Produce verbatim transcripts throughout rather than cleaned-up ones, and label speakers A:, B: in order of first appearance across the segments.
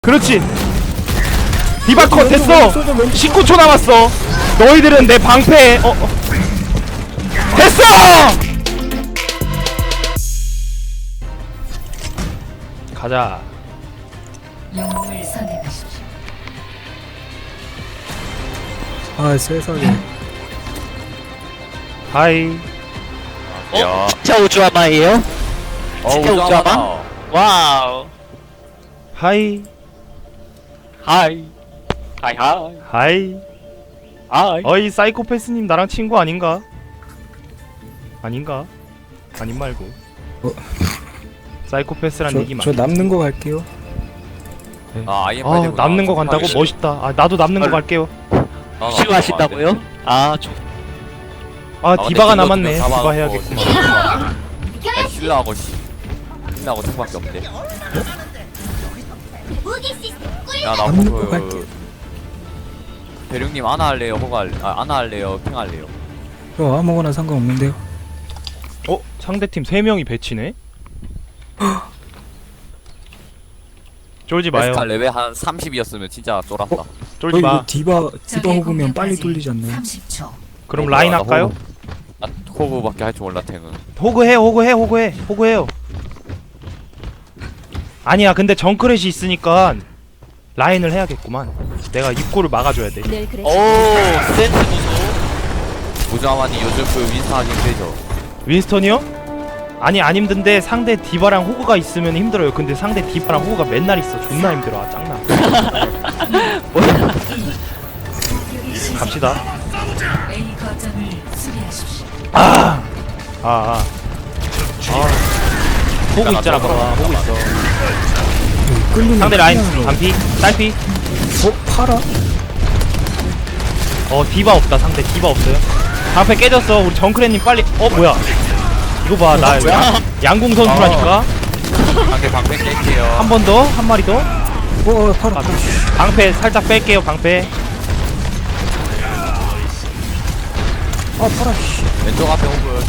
A: 그렇지. 디바컷 됐어. 십구 초 남았어. 너희들은 내 방패에 어, 어. 됐어. 가자.
B: 영웅을 선택하십시오.
C: 아 세상에.
A: 하이.
D: 어?
E: 진짜 우주아마예요?
D: 어,
E: 진짜 우주아마? 와우.
A: 하이.
E: 하이. 하이 하이.
A: 하이.
E: 하이.
A: 어이 사이코패스님 나랑 친구 아닌가? 아닌가? 아닌 말고.
C: 어.
A: 사이코패스란
C: 저,
A: 얘기 맞.
C: 저 남는 거 갈게요.
D: 아, 아이엠
A: 아
D: 빨리
A: 남는 거 간다고
D: 좀
A: 멋있다. 아 나도 남는 거
E: 헐.
A: 갈게요.
D: 아,
E: 싫어하신다고요? 아, 저
A: 아
D: 근데
A: 디바가
D: 딜러도
A: 남았네.
D: 좀
A: 디바
D: 잡아갖고
A: 해야겠구만.
D: 아, 힐러하고 씨 힐러하고 탱밖에 없네. 야나
C: 남는 거
D: 그
C: 갈게요.
D: 대륙님 아나 할래요? 호가 할래? 아 아나 할래요? 핑 할래요?
C: 저 아무거나 상관없는데요.
A: 어 상대팀 세 명이 배치네. 쫄지 마요.
D: 에스칼 레벨 한 삼십이었으면 진짜 쫄았다.
C: 어,
A: 쫄지
C: 이거
A: 마.
C: 디바 디바
B: 적의
C: 호구면 빨리
B: 공격까지
C: 돌리지 않나요?
B: 삼십 초.
A: 그럼
D: 어,
A: 라인
D: 나
A: 할까요?
D: 호구. 아 호구밖에 할 줄 몰라 탱은.
A: 호그해 호그해 호그해 호그해요. 아니야 근데 정크렛이 있으니까 라인을 해야겠구만. 내가 입구를 막아줘야 돼.
B: 늘 그랬.
E: 오, 센스 무소.
D: 우주아마니 요즘 그 윈스하기 힘들죠.
A: 윈스턴이요? 아니 안 힘든데 상대 디바랑 호그가 있으면 힘들어요. 근데 상대 디바랑 호그가 맨날 있어. 존나 힘들어. 아, 짱나. 갑시다.
B: A 거점을 수비하십시오.
A: 아, 아, 아. 아. 호그 있잖아, 봐봐. 호그 있어.
C: 여기 끌리는
A: 상대 라인
C: 그냥-
A: 반피, 딸피.
C: 어 팔아?
A: 어 디바 없다. 상대 디바 없어요. 방패 깨졌어. 우리 정크레님 빨리. 어 뭐야? 이거 봐, 나 양, 양궁 선수라니까.
D: 상대 방패 깰게요.
A: 한 번 더, 한 마리 더.
C: 어, 어 팔아.
A: 방패 살짝 뺄게요. 방패.
C: 아 팔아. 씨.
D: 왼쪽 앞에 호그.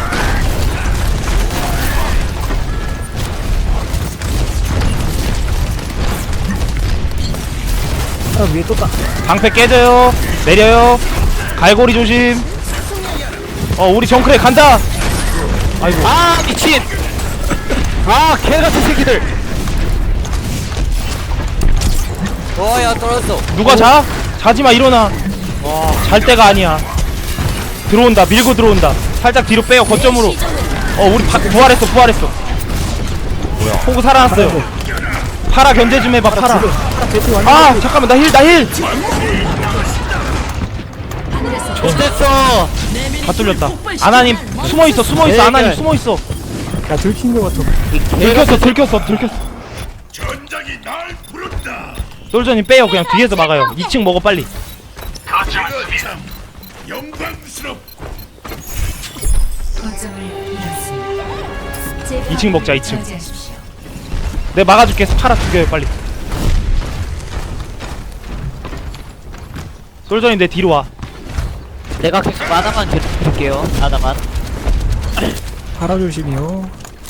C: 팔아 위에 떴다.
A: 방패 깨져요. 내려요. 갈고리 조심. 어 우리 정크레 간다. 아이고.
E: 아, 미친. 아, 개같은 새끼들.
D: 어야 떨어졌어.
A: 누가 자? 자지마 일어나. 잘 때가 아니야. 들어온다. 밀고 들어온다. 살짝 뒤로 빼요. 거점으로. 어 우리 바, 부활했어. 부활했어. 뭐야? 호구 살아났어요. 파라 견제 좀 해봐. 파라. 아 잠깐만 나 힐 나 힐.
E: 좋댔어.
A: 다 뚫렸다. 아나님 숨어 있어. 숨어 있어. 아나님 숨어 있어.
C: 야 들킨 거 같아.
A: 들켰어. 들켰어. 들켰어. 솔저님 빼요. 그냥 뒤에서 막아요. 이 층 먹어 빨리.
B: 거점을 잃었습니다.
A: 이 층 먹자. 이 층.
B: 저지하십시오.
A: 내가 막아줄게. 파라 죽여요 빨리. 솔저님 내 뒤로 와.
E: 내가 계속 하나만 계속 드릴게요. 하나만.
C: 팔아 조심이요.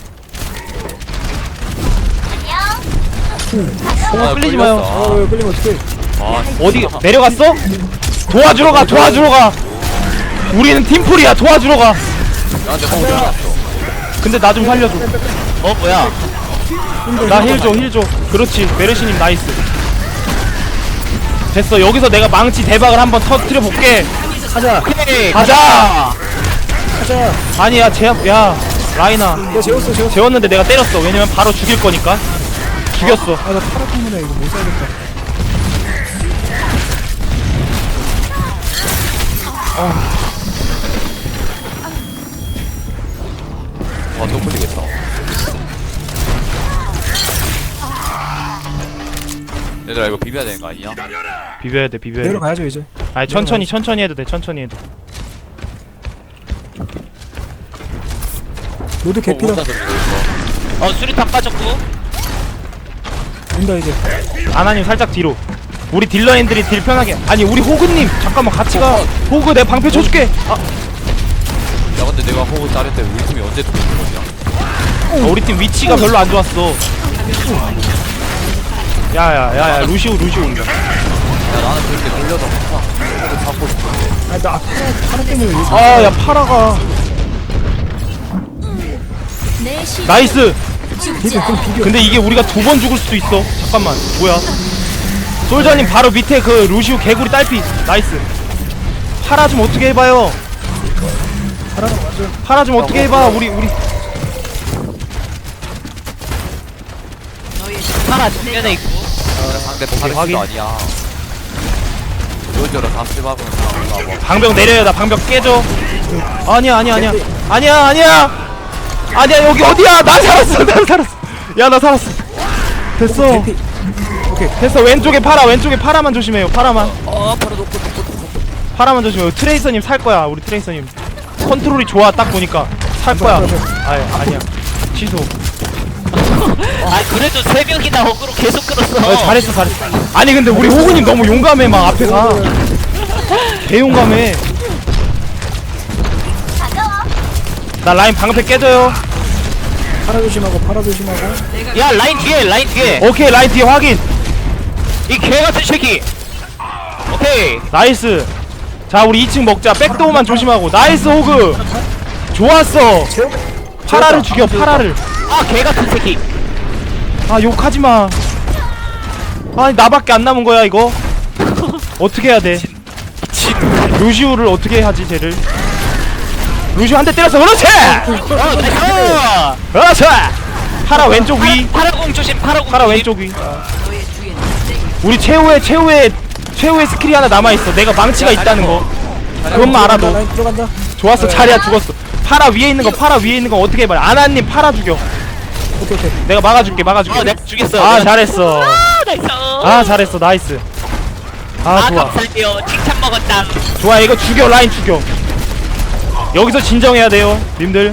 A: 호구 끌리지 마요.
C: 어 왜 끌리면 어떡해.
D: 아
A: 어디 내려갔어? 도와주러 가. 도와주러 가. 우리는 팀플이야. 도와주러 가.
D: 야 근데 호그 들어갔어.
A: 근데 나 좀 살려줘.
E: 어, 뭐야?
A: 나 힐 줘, 힐 줘. 그렇지. 메르시님 나이스. 됐어. 여기서 내가 망치 대박을 한번 터뜨려 볼게.
C: 가자.
E: 오케이.
A: 가자.
C: 가자.
A: 아니야, 제압. 야, 라이나.
C: 야 재웠어 재웠어.
A: 재웠는데 내가 때렸어. 왜냐면 바로 죽일 거니까. 죽였어.
C: 아나 팔아 때문에 이거 못 살겠다.
D: 아또 풀리겠다. 얘들아 이거 비벼야 되는 거 아니야?
A: 비벼야 돼, 비벼야 돼.
C: 내려가야죠 이제.
A: 아니 천천히, 천천히 해도 돼. 천천히 해도.
C: 로드 개피다.
D: 혼자 들고 있어.
E: 어, 수리탄 빠졌고.
C: 온다 이제.
A: 아나님 살짝 뒤로. 우리 딜러인들이 딜 편하게. 아니 우리 호그님 잠깐만 같이 가. 호그 내 방패 쳐줄게. 아,
D: 야 근데 내가 호그 자를 때 우리 팀이 언제 들어온 거냐?
A: 어, 우리 팀 위치가 별로 안 좋았어. 야야야야 루시우 루시우 온다.
D: 야 나는 그렇게 돌려서 항상 그래도 잡고 싶은데.
C: 아나 파라 파라 때문에 왜
A: 아 야 파라가 나이스.
C: 비벼 그럼 비벼.
A: 근데 이게 우리가 두 번 죽을 수도 있어. 잠깐만 뭐야? 솔저님 바로 밑에 그 루시우 개구리 딸피 나이스. 파라 좀 어떻게 해봐요.
C: 파라가 맞아.
A: 파라 좀 어떻게 해봐. 우리 우리
E: 파라 정면에 있고.
D: 야, 상대
A: 확인.
D: 파르스도 아니야. 요저로 다 쓸박으면 다 올라와.
A: 방벽 내려야 나 방벽 깨져. 아니야 아니야 아니야 아니야 아니야 아니야 여기 어디야? 나 살았어 나 살았어. 야 나 살았어. 됐어
C: 개피. 오케이.
A: 됐어. 왼쪽에 파라 왼쪽에 파라만 조심해요. 파라만
D: 어 바로 놓고 놓고 놓고.
A: 파라만 조심해요. 트레이서님 살 거야. 우리 트레이서님 컨트롤이 좋아. 딱 보니까 살 거야. 아 아니야 취소.
E: 아 그래도 세 명이나 어그로 계속 끌었어.
A: 어, 잘했어 잘했어. 아니 근데 우리 호구님 너무 용감해. 막 앞에가 개용감해. 나 라인 방패 깨져요.
C: 파라 조심하고 파라 조심하고.
E: 야 라인 뒤에 라인 뒤에.
A: 오케이 라인 뒤에 확인.
E: 이 개같은 새끼. 오케이.
A: 나이스. 자 우리 이 층 먹자. 백도어만 조심하고. 나이스 호그. 좋았어. 파라를 죽여 파라를.
E: 아 개같은 새끼.
A: 아 욕하지마. 아니 나밖에 안 남은 거야 이거. 어떻게 해야 돼? 루시우를 어떻게 하지 쟤를. 루시우 한 대 때렸어. 그렇지.
E: 어 나이스.
A: 그렇지. 파라 왼쪽 위.
E: 파라공 조심 파라공.
A: 파라
E: 조심.
A: 왼쪽 위. 우리 최후의 최후의 최후의 스킬이 하나 남아있어. 내가 망치가 있다는 거 그것만 알아도.
C: 라인 들어간다.
A: 좋았어. 자리야 죽었어. 파라 위에 있는 거 파라 위에 있는 거 어떻게 해봐. 아나님 파라 죽여.
C: 오케이 오케이.
A: 내가 막아줄게 막아줄게.
E: 어 내가 죽였어.
A: 아
E: 내가-
A: 잘했어.
E: 아 나이스.
A: 아 잘했어. 나이스. 아
E: 아
A: 좋아
E: 감사해요. 칭찬 먹었다.
A: 좋아. 이거 죽여. 라인 죽여. 여기서 진정해야 돼요 님들.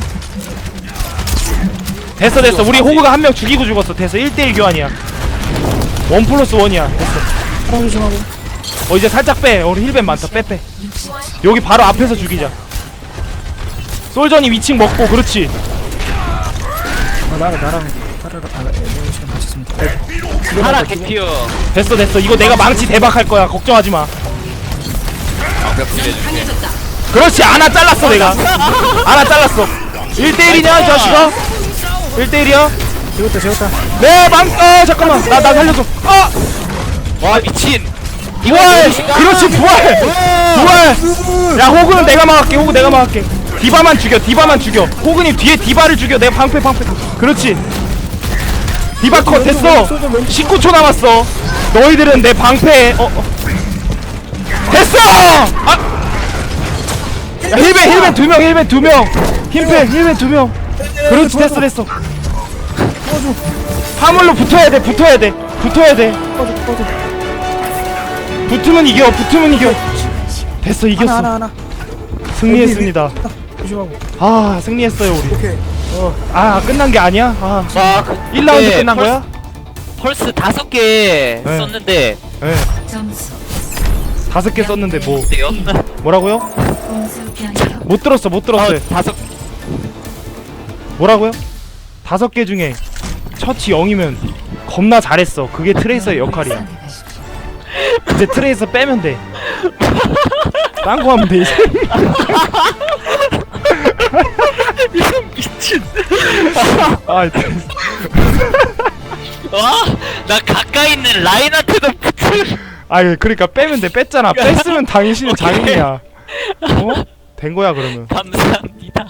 A: 됐어 됐어. 우리 호그가 한 명 죽이고 죽었어. 됐어. 일 대 일 교환이야. 원 플러스 원이야. 됐어.
C: 파라 조심하고.
A: 어 이제 살짝 빼. 우리 힐벤 많다. 빼빼. 여기 바로 앞에서 죽이자. 솔전이 이 층 먹고. 그렇지.
C: 아 나랑 나랑 파라랑 아 네, 시간 맞췄습니다.
E: 파라 개피어.
A: 됐어 됐어. 이거 내가 망치 대박할 거야. 걱정하지마.
D: 방벽 딜해줄게.
A: 그렇지. 아나 잘랐어 내가. 아나 잘랐어. 일 대 일이냐 이 자식아. 일 대 일이야.
C: 재웠다 재웠다.
A: 네 망. 어 잠깐만. 나 나 살려줘. 아
E: 와 미친.
A: 부활. 그렇지 부활. 부활. 야 호그는 내가 막을게. 호그 내가 막을게. 디바만 죽여. 디바만 죽여. 호그님 뒤에 디바를 죽여. 내가 방패 방패. 그렇지. 디바 컷 됐어. 십구 초 남았어. 너희들은 내 방패에 어, 어. 됐어. 아. 야, 힐벤 힐벤 두 명. 힐벤 두 명. 힐벤 힐벤 두 명. 그렇지 됐어 됐어. 화물로 붙어야 돼. 붙어야 돼. 붙어야 돼.
C: 꺼져 꺼져.
A: 붙으면 이겨. 붙으면 이겨. 됐어
C: 하나
A: 이겼어.
C: 하나 하나.
A: 승리했습니다.
C: 조심하고.
A: 아 승리했어요 우리.
C: 오케이. 어.
A: 아 끝난 게 아니야? 아
E: 와
A: 일 라운드 끝난 거야?
E: 펄스 다섯 개
A: 네.
E: 썼는데
A: 예.
B: 점수
A: 다섯 개 썼는데 뭐
E: 어때요?
A: 뭐라고요?
B: 공수 변경
A: 못 들었어 못 들었어요.
E: 어 다섯.
A: 뭐라고요? 다섯 개 중에 처치 영이면 겁나 잘했어. 그게 트레이서의 역할이야.
B: 선택하십시오.
A: 이제 트레이서 빼면 돼. 딴 거 하면 돼 이제.
E: 미친.
A: 아 됐어.
E: 와나 가까이 있는 라인한테도 붙을.
A: 아 그러니까 빼면 돼. 뺐잖아. 뺐으면 당신은 장인이야. 어? 된 거야 그러면.
E: 감사합니다.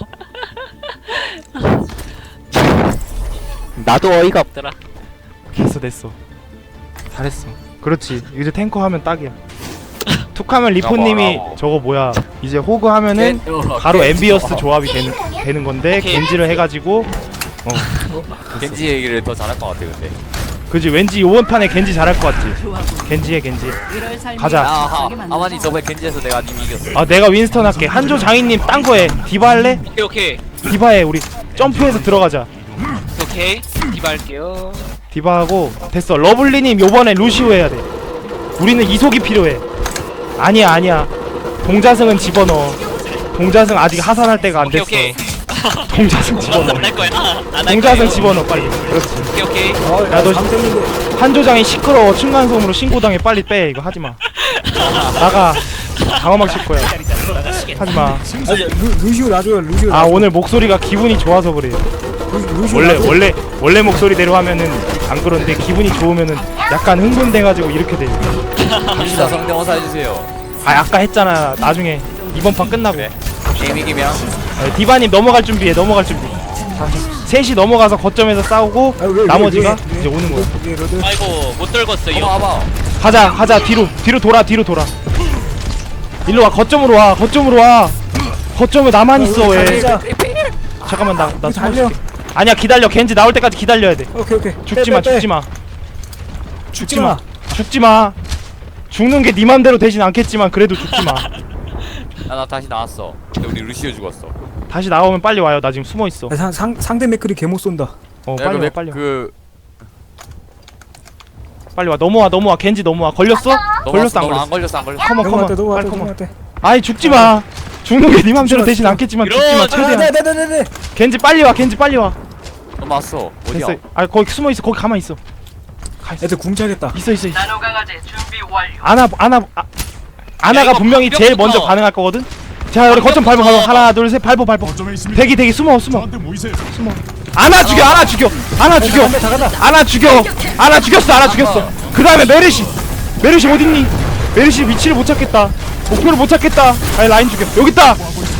E: 나도 어이가 없더라.
A: 됐어 됐어. 잘했어. 그렇지. 이제 탱커 하면 딱이야. 툭하면 리포님이
D: 뭐라고.
A: 저거 뭐야 이제 호그 하면은 바로 엠비어스 조합이 되는 되는 건데
E: 오케이.
A: 겐지를 해가지고 어
D: 겐지 얘기를 더 잘할 것 같아 근데.
A: 그지. 왠지 이번 판에 겐지 잘할 것 같지. 겐지해 겐지. 가자.
D: 아하 아마니 저번에 겐지에서 내가 님 이겼어.
A: 아 내가 윈스턴 할게. 한조 장인님 딴 거해. 디바 할래?
E: 오케이 오케이
A: 디바해. 우리 점프해서 들어가자.
E: 오케이. 디바 할게요.
A: 디바 하고 됐어. 러블리님 요번에 루시오 해야 돼. 우리는 이속이 필요해. 아니야 아니야. 동자승은 집어넣어. 동자승 아직 하산할 때가 안
E: 오케이
A: 됐어.
E: 오케이.
A: 동자승 집어넣어.
E: 안할 거야. 안할
A: 동자승
E: 거예요.
A: 집어넣어 빨리. 그렇지.
E: 오케이 오케이.
C: 어,
A: 야, 너
C: 잠들는데
A: 한조장이 시끄러워. 층간소음으로 신고당해. 빨리 빼. 이거 하지 마. 나가. 방어막 칠 거야. 하지 마.
C: 아, 루, 루시오 놔줘요. 루시오.
A: 아
C: 놔줘.
A: 오늘 목소리가 기분이 좋아서 그래.
C: 루, 루시오
A: 원래
C: 놔줘.
A: 원래 원래 목소리대로 하면은 안 그런데 기분이 좋으면은 약간 흥분돼가지고 이렇게 돼.
D: 갑시다 성대모사 해주세요.
A: 아 아까 했잖아. 나중에 이번 판 끝나고.
D: 그래. 게임 이기면
A: 아, 디바님 넘어갈 준비해. 넘어갈 준비. 자, 셋이 넘어가서 거점에서 싸우고
C: 아, 왜, 왜,
A: 나머지가
C: 왜, 왜?
A: 이제 오는 거야.
C: 예, 로드.
E: 아이고 못 떨궜어
D: 한번
E: 이거.
D: 와봐.
A: 가자 가자 뒤로 뒤로 돌아 뒤로 돌아. 일로 와 거점으로 와 거점으로 와. 거점에 나만 있어 왜?
C: 달리자.
A: 잠깐만 나나
C: 우리
A: 숨어
C: 달려.
A: 있을게. 아니야 기다려. 겐지 나올 때까지 기다려야 돼.
C: 오케이 오케이.
A: 죽지
C: 빼,
A: 마
C: 빼, 빼.
A: 죽지 마.
C: 죽지 마.
A: 죽지 마. 죽는 게 네 맘대로 되진 않겠지만 그래도 죽지 마.
D: 야나 다시 나왔어. 근데 우리 루시오 죽었어.
A: 다시 나오면 빨리 와요. 나 지금 숨어 있어.
C: 아, 상, 상 상대 맥클이 개못 쏜다.
A: 어
D: 내가
A: 빨리
D: 그
A: 와
D: 맥-
A: 빨리 와.
D: 그
A: 빨리 와 넘어와 넘어와. 겐지 넘어와. 걸렸어? 걸렸어 안
D: 너무
A: 걸렸어?
D: 안 걸렸어 안 걸렸어.
A: 컴온 컴온.
C: 넘어갔대
A: 빨리
C: 넘어갔대
A: 컴온.
C: 넘어갔대.
A: 아이 죽지 마. 죽는 게 네 맘대로
C: 죽지 마,
A: 되진
C: 죽지 마.
A: 않겠지만
E: 이런-
A: 죽지 마.
E: 아,
A: 최대한.
C: 네네네네네.
A: 겐지 빨리 와. 겐지 빨리 와.
D: 넘어왔어. 어디야?
A: 됐어. 아 거기 숨어 있어. 거기 가만 있어. 가 있어.
C: 애들 궁차겠다.
A: 있어 있어 있어. 아나 아나 아,
E: 야,
A: 아나가
E: 이거
A: 분명히 제일
E: 방벽부터.
A: 먼저 반응할 거거든. 자 우리 거점 밟아 밟아. 하나 둘 셋 밟아 밟아. 대기 대기 숨어 숨어 숨어. 아나 죽여 아나 죽여 아나 죽여
C: 다 간다.
A: 아나 죽여 아나 죽였어 아나 죽였어. 그 다음에 메르시 메르시 어딨니? 메르시 위치를 못 찾겠다. 목표를 못 찾겠다. 아니 라인 죽여. 여기 있다.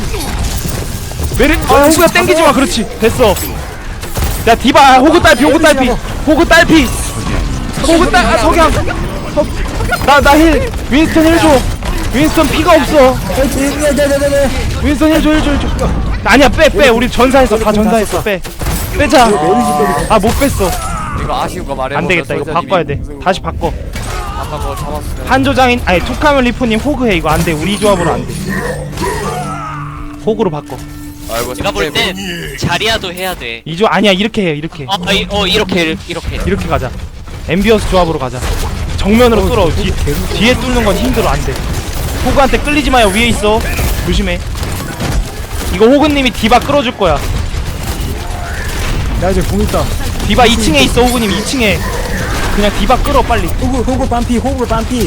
A: 메르 아 호구야 땡기지 마. 그렇지 됐어. 야 디바 호구 딸피 호구 딸피 호구 딸피 호구 딸 아, 석양 나나 힐 윈스턴 힐 줘. 윈스턴 피가 없어.
C: 네네네네.
A: 윈스턴 힐 줘 힐 줘 힐 줘. 아니야 빼 빼 우리 전사했어 다 전사했어 빼 빼자. 아 못 뺐어.
D: 이거 아쉬운 거 말해.
A: 안 되겠다 이거 바꿔야 돼. 다시 바꿔.
D: 아까 그거 잡았으면.
A: 한조장인 아니 투카멜 리포님 호그해. 이거 안 돼. 우리 조합으로 안 돼. 호그로 바꿔.
D: 아이고
E: 내가 볼 땐 자리야도 해야 돼.
A: 이조 아니야 이렇게 해 이렇게
E: 어, 아, 이, 어 이렇게 이렇게.
A: 이렇게 가자. 엠비어스 조합으로 가자. 정면으로 뚫어. 뒤, 뒤에 뚫는 건 힘들어. 안 돼. 호그한테 끌리지 마요. 위에 있어. 조심해. 이거 호그님이 디바 끌어줄 거야.
C: 나 이제 궁 있다.
A: 디바 이 층에 있어. 호그님 이 층에. 그냥 디바 끌어 빨리.
C: 호구 호구 반피 호구 반피.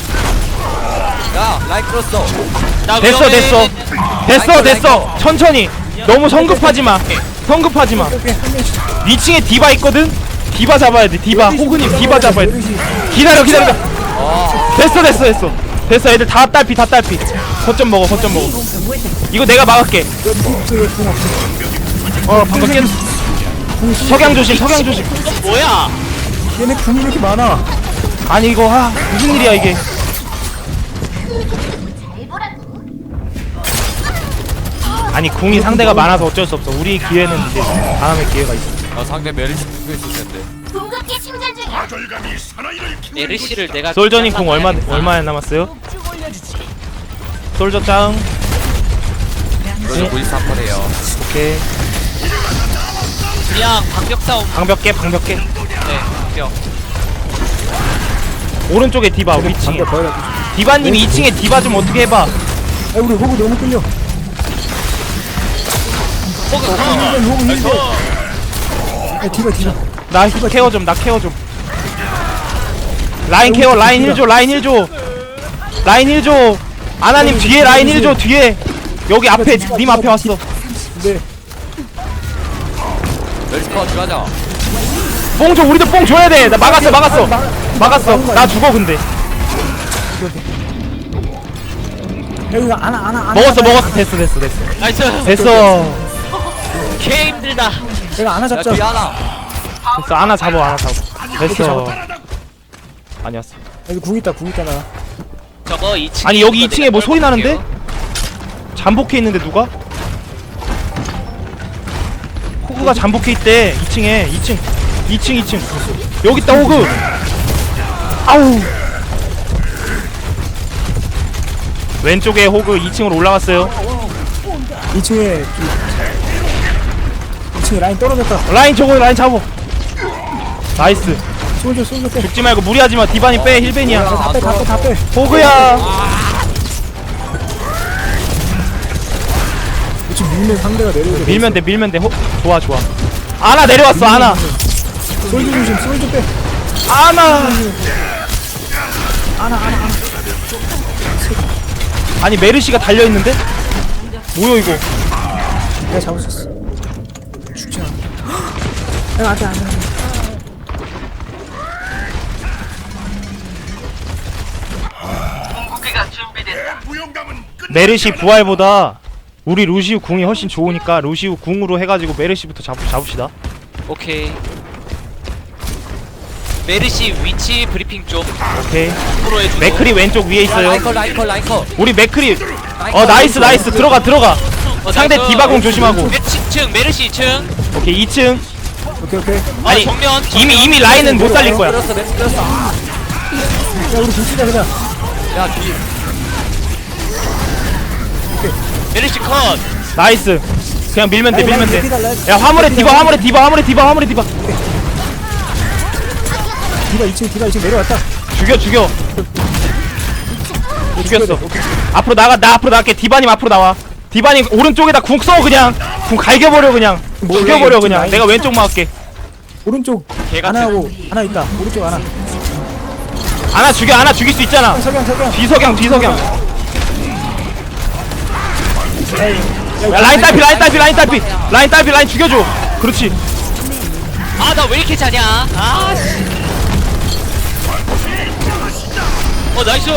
D: 야 라인 끌었어.
E: 나
A: 됐어
E: 위험해.
A: 됐어 됐어 됐어. 천천히. 너무 성급하지 마. 성급하지 마.
C: 오케이 한 명씩.
A: 이 층에 디바 있거든. 디바 잡아야 돼. 디바. 호그님 디바 잡아야 돼. 기다려 기다려. 됐어 됐어 됐어. 됐어 애들 다 딸피 다 딸피. 거점 먹어 거점 먹어. 이거 내가 막을게. 어 방금 깼. 석양 조심 석양 조심.
E: 어, 뭐야?
C: 얘네 궁이 왜 이렇게 많아?
A: 아니 이거 아 무슨 일이야 이게. 아니 궁이 상대가 많아서 어쩔 수 없어. 우리 기회는 이제 다음에 기회가 있어.
D: 아 상대 메리시 죽고 있을 텐데.
B: 궁극기 충전 중이야.
E: 에르시를 내가
A: 솔저님 궁 얼마 얼마 남았어요? 솔저 짱.
D: 그래서 구십삼 퍼예요.
A: 오케이.
E: 그냥 방벽 싸움.
A: 방벽 깨 방벽 깨.
E: 네, 방벽.
A: 오른쪽에 디바 위 층에.
C: 방금 버려.
A: 디바님이 이 층에 디바 좀 어떻게 해봐.
C: 아 우리 호구 너무 끌려.
E: 호그
C: 호구 힐벤 호구 힐벤. 아 디바 디바.
A: 나 케어 좀, 나 케어 좀. 라인 케어, 라인 힐 줘, 라인 힐 줘. 라인 힐 줘. 아나님 뒤에 라인 힐 줘, 뒤에. 여기 앞에, 님 앞에 왔어.
C: 네.
D: 메리시 컷 들어가자.
A: 뽕 줘, 우리도 뽕 줘야 돼. 나 막았어, 막았어. 막았어. 나 죽어, 근데.
C: 여기 안아 안아 안아.
A: 먹었어, 먹었어. 됐어, 됐어, 됐어.
E: 나이스.
A: 됐어.
E: 개 힘들다.
C: 내가 안아
D: 야
C: 잡자.
D: 뒤에 하나.
A: 됐어, 아나 잡어, 아나 잡어. 됐어. 아니었어.
C: 여기 궁 있다 궁 있다 나.
E: 저거 이 층.
A: 아니, 여기 이 층에 뭐 소리 나는데? 잠복해 있는데, 누가? 호그가 잠복해 있대. 이 층에, 이 층. 이 층, 이 층. 여기 있다, 호그. 아우. 왼쪽에 호그 이 층으로 올라갔어요.
C: 이 층에 이 층에 라인 떨어졌다.
A: 라인 저거 라인 잡어. 나이스.
C: 쏠져 쏠져 빼.
A: 죽지 말고 무리하지 마. 디바니 빼. 힐벤이야.
C: 다 빼 다 빼 다 빼.
A: 호그야.
C: 같이 밀면 상대가 내려오게
A: 밀면 돼 밀면 돼 호, 좋아 좋아 아나 내려왔어 아나
C: 솔드 조심 솔드 빼
A: 아나 아니 메르시가 달려있는데? 뭐야 이거
C: 내가 잡을 수 있어 죽지 않아 야 안돼 안돼
A: 메르시 부활보다 우리 루시우 궁이 훨씬 좋으니까 루시우 궁으로 해가지고 메르시부터 잡, 잡읍시다.
E: 오케이. 메르시 위치 브리핑 좀
A: 오케이
E: 프로 해주고.
A: 맥크리 왼쪽 위에 있어요.
D: 라이커 라이커 라이커.
A: 우리 맥크리 어 나이스 나이스 들어가 들어가
E: 어,
A: 상대
E: 나이스.
A: 디바공 조심하고.
E: 메- 이 층 메르시 이 층.
A: 오케이 이 층
C: 오케이 오케이 야
A: 아니
E: 정면, 정면.
A: 이미 이미 라인은 못 살릴 거야.
D: 끌었어 맥 끌었어.
C: 우리 붙이자 그냥
D: 야 뒤.
E: 메르시 컷.
A: 나이스 그냥 밀면 돼 밀면
C: 라인 달라.
A: 돼야 화물에 디바 화물에 디바 화물에 디바 화물에 디바
C: 디바 이 층 디바 이 층 내려왔다
A: 죽여 죽여 죽였어. 앞으로 나가 나 앞으로 나갈게. 디바님 앞으로 나와. 디바님 오른쪽에다 궁 써 그냥 궁 갈겨버려 그냥
C: 뭐,
A: 죽여버려
C: 왼쪽
A: 그냥
C: 라인.
A: 내가 왼쪽 막을게.
C: 오른쪽
A: 개같은.
C: 하나하고 하나 있다 오른쪽 하나
A: 하나 죽여 하나 죽일 수 있잖아.
C: 석양 석양
A: 뒤석양 뒤석양
C: 야,
A: 야 라인 딸피 라인 딸피 라인 딸피 라인 딸피 라인 죽여줘. 그렇지.
E: 아 나 왜 이렇게 자냐? 아 씨. 어 나이스.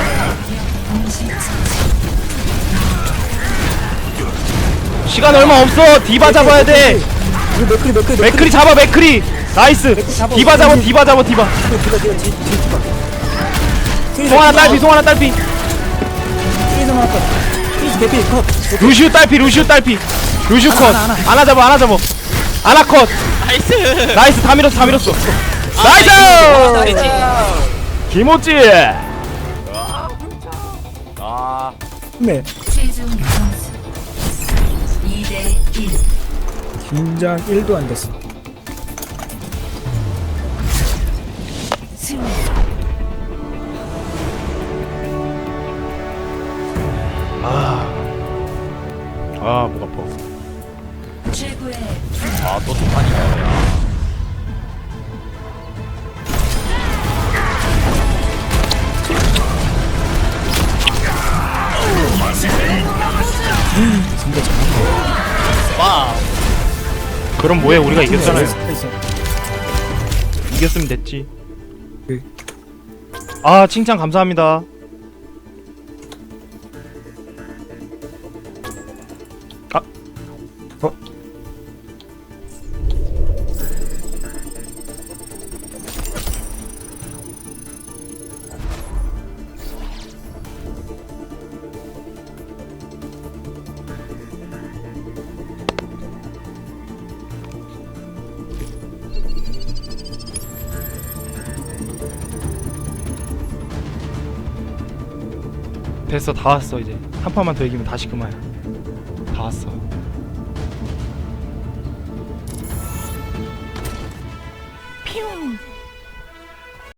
A: 시간 얼마 없어. 디바 잡아야 돼.
C: 우리 맥크리 맥크리
A: 맥크리 잡아 맥크리. 나이스.
C: 잡아.
A: 디바 잡아 디바 잡아 디바.
C: 디바 디바 뒤 뒤 디바
A: 송 하나 딸피 송 하나 딸피.
C: 트레이서 나왔다 트레이서 대피 컷
A: 루시우 딸피 루시우 딸피. 루시우 컷.
C: 하나, 하나.
A: 하나 잡아 하나 잡아. 하나 컷.
E: 나이스.
A: 나이스 다 밀었어 다 밀었어.
E: 아,
A: 나이스.
E: 나이스.
A: 김오찌.
D: 아
C: 네
B: 최종 점수 이 대 일.
C: 긴장 일도 안 됐어
B: 승리.
A: 아목 아파.
B: 최고의
D: 아또 두판이야.
C: 상대 잘한다
E: 와.
A: 그럼 뭐해 우리가 이겼잖아요.
C: 트레이서.
A: 이겼으면 됐지.
C: 네.
A: 아 칭찬 감사합니다. 아
C: 어?
A: 됐어 다 왔어 이제 한 판만 더 이기면 다시 그만이야. 다 왔어.